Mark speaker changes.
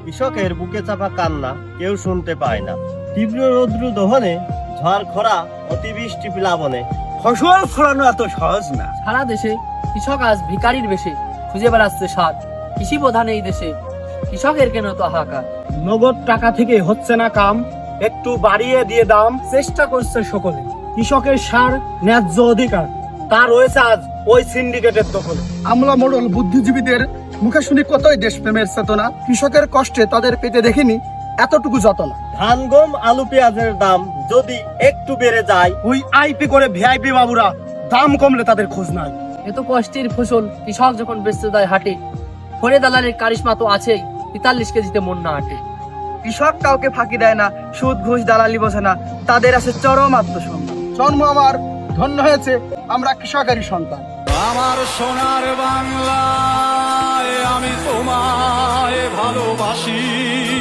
Speaker 1: কৃষকের বুকে চাপা কান্না কেউ শুনতে পায় না। তীব্র রৌদ্র দহনে, ঝড় খরা, অতিবৃষ্টি প্লাবনে
Speaker 2: ফসল ফলানো এত সহজ না।
Speaker 3: সারা দেশে কৃষক আজ ভিখারির বেশে খুঁজে বেড়াচ্ছে স্বাদ। কৃষি প্রধান এই দেশে কৃষকের কেন তো হাহাকার।
Speaker 2: নগদ টাকা থেকে হচ্ছে না কাম, একটু বাড়িয়ে দিয়ে দাম চেষ্টা করছে সকলে। কৃষকের সার ন্যায্য অধিকার তা রয়েছে আজ ওই সিন্ডিকেটের দখলে।
Speaker 4: আমলা মোড়ল বুদ্ধিজীবীদের মুখে শুনি কতই দেশপ্রেমের চেতনা, কৃষকের কষ্টে তাদের পেটে দেখিনি এতটুকু যতনা।
Speaker 1: ধান, গম, আলু, পেঁয়াজের দাম যদি একটু বেড়ে যায়,
Speaker 2: ওই আইপি করে ভিআইপি বাবুরা দাম কমলে তাদের খোঁজ নাই।
Speaker 3: এত কষ্টের ফসল কৃষক যখন বেচতে দেয় হাটে, ফরে দালালের কারিশমা তো আছেই, ৪৩ কেজিতে মন না হাটে।
Speaker 5: কৃষক কাউকে ফাঁকি দেয় না, সুদ ঘুষ দালালি বোঝে না, তাদের আছে চরম আত্মসম্মান।
Speaker 4: জন্ম আমার ধন্য হয়েছে, আমরা কৃষকেরই সন্তান।
Speaker 6: আমার সোনার বাংলায় আমি তোমায় ভালোবাসি।